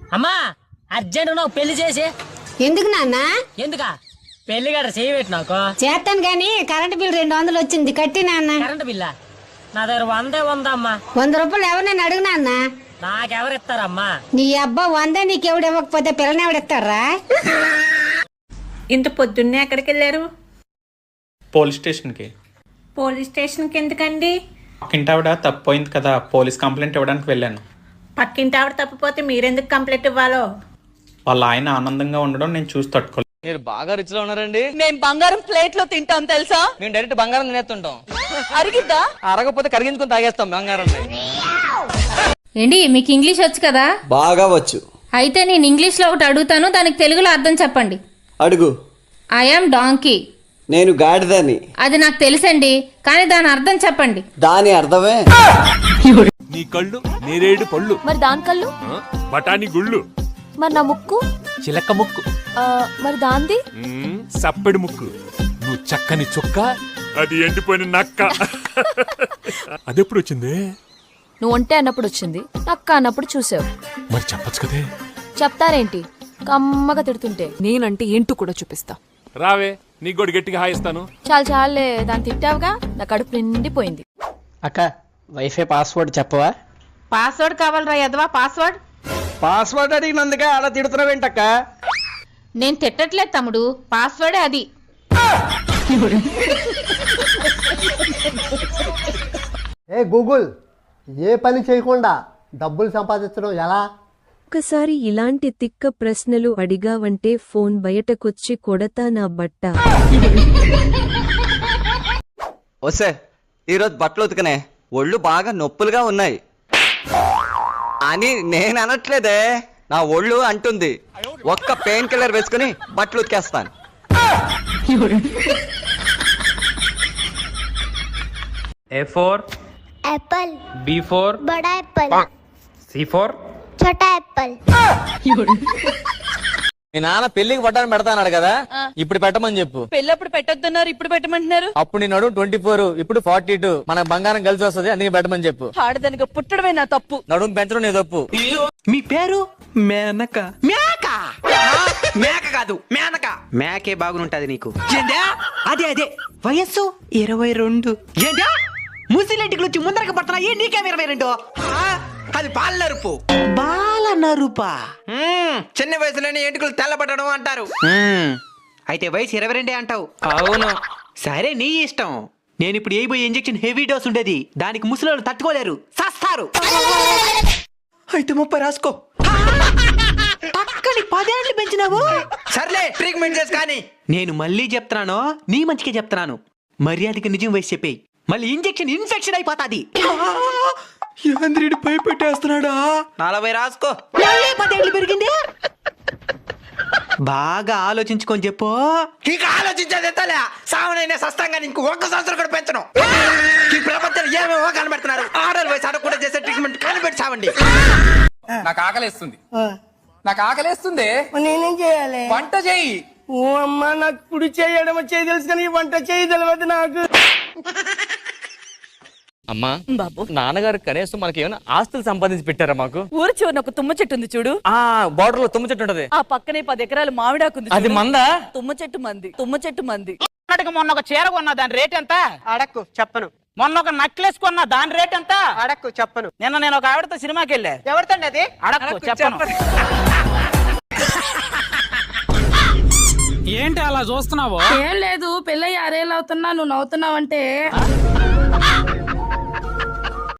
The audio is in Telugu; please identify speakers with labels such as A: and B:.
A: అమ్మా అర్జెంట్ నాకు పెళ్లి చేసి.
B: ఎందుకు నాన్న?
A: ఎందుకా పెళ్లి గడ చేయబెట్టి నాకు
B: చేస్తాను గాని కరెంట్ బిల్ 200 వచ్చింది కట్టి నాన్న.
A: కరెంట్ బిల్లా నా దగ్గర 100 ఉందమ్మా.
B: 100 రూపాయలు ఎవరినైనా అడుగు నాన్న.
A: నాకెవరిస్తారమ్మా?
B: నీ అబ్బా 100 నీకెవడు ఇవ్వకపోతే పిల్లని ఎవడిస్తారా?
C: ఇంత పొద్దున్నే ఎక్కడికి వెళ్ళారు?
D: పోలీస్ స్టేషన్కి.
C: పోలీస్ స్టేషన్కి ఎందుకండి?
D: పక్కింటి ఆవిడ తప్పిపోయింది కదా, పోలీస్ కంప్లైంట్ ఇవ్వడానికి వెళ్ళాను.
C: పక్కింటి ఆవిడ తప్పిపోతే మీరెందుకు కంప్లైంట్ ఇవ్వాలో?
D: వాళ్ళ ఆయన ఆనందంగా ఉండడం నేను చూసి తట్టుకోలేదు.
E: మీరు బాగా రిచ్ లో ఉన్నారండి.
F: మేము బంగారం ప్లేట్ లో తింటాం తెలుసా?
E: మేము డైరెక్ట్ బంగారం తినేస్తుంటాం.
F: అరిగిద్దా?
E: అరగపోతే కరిగించుకొని తాగేస్తాం బంగారం.
G: ఏంటి మీకు ఇంగ్లీష్ వచ్చు కదా?
H: బాగా వచ్చు.
G: అయితే నేను ఇంగ్లీష్లో ఒకటి అడుగుతాను, దానికి తెలుగులో అర్థం చెప్పండి.
H: అడుగు.
G: I am donkey.
H: నేను గాడిదని.
G: అది నాకు తెలుసండి, కానీ దాని అర్థం చెప్పండి.
H: దాని అర్థమే
I: నీ కళ్ళు నేరేడు పళ్ళు,
J: మరి దాని కళ్ళు
I: బఠానీ గుళ్ళు,
J: మరి నా ముక్కు
I: చిలక ముక్కు,
J: మరి దాంది
I: సప్పెడు ముక్కు, నువ్వు చక్కని చుక్క, అది ఎండిపోయిన నక్క. అదెప్పుడు వచ్చింది?
J: నువ్వు ఒంటే అన్నప్పుడు వచ్చింది, నక్క అన్నప్పుడు చూసావు.
I: మరి చెప్పచ్చు కదే.
J: చెప్తారేంటి కమ్మగా తిడుతుంటే? నేనంటే ఏంటో కూడా చూపిస్తా.
I: రావే నీ గొడి గట్టిగా హాయిస్తాను.
J: చాలు చాలే, దాన్ని తిట్టావుగా నా కడుపు నిండిపోయింది.
E: అక్క వైఫై పాస్వర్డ్ చెప్పవా?
C: పాస్వర్డ్ కావాలరా యదవా? పాస్వర్డ్
E: పాస్వర్డ్ అడిగినందుకే అలా తిడుతున్నావేంటక్క?
G: నేను తిట్టట్లేదు తమ్ముడు, పాస్వర్డే అది.
K: ఏ గూగుల్, ఏ పని చేయకుండా డబ్బులు సంపాదించడం ఎలా?
L: ఒకసారి ఇలాంటి తిక్క ప్రశ్నలు అడిగావంటే ఫోన్ బయటకొచ్చి కొడతా నా బట్ట.
H: వస్తే ఈరోజు బట్టలు ఉతికనే, ఒళ్ళు బాగా నొప్పులుగా ఉన్నాయి అని నేను అనట్లేదే, నా ఒళ్ళు అంటుంది. ఒక్క పెయిన్ కిల్లర్ వేసుకుని బట్టలు ఉతికేస్తాను.
D: A4
F: యాపిల్,
D: B4
F: బడా యాపిల్,
D: C4
F: छोटा యాపిల్.
E: మీ నాన్న పెళ్లికి పట్టాను పెడతాన్నాడు కదా, ఇప్పుడు పెట్టమని చెప్పు.
F: పెళ్ళప్పుడు పెట్టొద్దన్నారు, ఇప్పుడు పెట్టమంటున్నారు.
E: అప్పుడు నేను 24, ఇప్పుడు 42. మనకు బంగారం కలిసి వస్తుంది, అందుకే పెట్టమని చెప్పు.
F: ఆడదానికి పుట్టడమే నా తప్పు.
E: నడుము పెంచడం నీ తప్పు.
M: మీ పేరు మేనక. మేక మేక కాదు మేనక. మేకే బాగుంటది నీకు. ఏంటా? అదే అదే వయస్సు 22. ఏంటా? ముసిలెంటికి వచ్చి ముందరకి పడుతున్నాయి, నీకేం 22? అది బాల నరుపు. బాల నరుపా? చిన్న వయసులోనే ఎంటుకలు తెల్లబడడం అంటారు. అయితే వయసు 22 అంటావు. అవును, సరే నీ ఇష్టం. నేను ఇప్పుడు వేయబోయే ఇంజెక్షన్ హెవీ డోస్ ఉండేది, దానికి ముసలోళ్ళు తట్టుకోలేరు, సస్తారు. అయితే 30 రాసుకో. పక్కని 10 ఏళ్ళు పెంచినావు. సర్లే ట్రీట్మెంట్ చేసి కానీ నేను మళ్ళీ చెప్తున్నాను, నీ మంచికే చెప్తున్నాను. మర్యాదకి నిజం వయసు చెప్పేయి, మళ్ళీ ఇంజెక్షన్ ఇన్ఫెక్షన్ అయిపోతాది. యాంద్రుడు భయపెట్టేస్తున్నాడా? 40 రాసుకో. 10 ఏళ్ళు పెరిగింది. బాగా ఆలోచించుకొని చెప్పు. ఇక ఆలోచించేది తలే, సావనైనా సస్తంగా నీకు 1 సంవత్సరం కూడా పెంచను. ఈ ప్రపంచంలో ఏమేమో కనబెడుతున్నారు, ఆర్డర్ వయసు అడగ కూడా చేసే ట్రీట్మెంట్ కనిపెట్టి చావండి. నాకు ఆకలేస్తుంది, నాకు ఆకలేస్తుంది.
F: నేనేం చేయాలి?
M: వంట చేయి.
F: ఓ అమ్మా, నాకు కుడి చేయడం చేయి తెలుసు కానీ వంట చేయి తెలియదు నాకు.
E: అమ్మా బాబు, నాన్నగారు కనీసం మనకి ఏమైనా ఆస్తులు సంపాదించి పెట్టారా మాకు?
F: ఊరు చివరిన ఒక తుమ్మ చెట్టు ఉంది చూడు,
E: ఆ బోర్డర్ లో తుమ్మ చెట్టు ఉంటది,
F: ఆ పక్కనే 10 ఎకరాలు మామిడాకుంది.
E: అది మందా?
F: తుమ్మ చెట్టు మంది, తుమ్మ చెట్టు మంది.
A: మొన్న ఒక చీర కొన్నా, దాని రేట్ ఎంత?
M: అడక్కు చెప్పను.
A: మొన్న ఒక నెక్లెస్ కొన్నా, దాని రేట్ ఎంత?
M: అడక్కు చెప్పను.
A: నిన్న నేను ఒక ఆవిడతో సినిమాకి వెళ్ళా.
M: ఎవరితండి అది?
A: అడక్కు చెప్పను.
M: ఏంటి అలా చూస్తున్నావు?
C: ఏం లేదు, పెళ్ళయ్యి 6 ఏళ్ళు అవుతున్నా, నువ్వు నవ్వుతున్నావంటే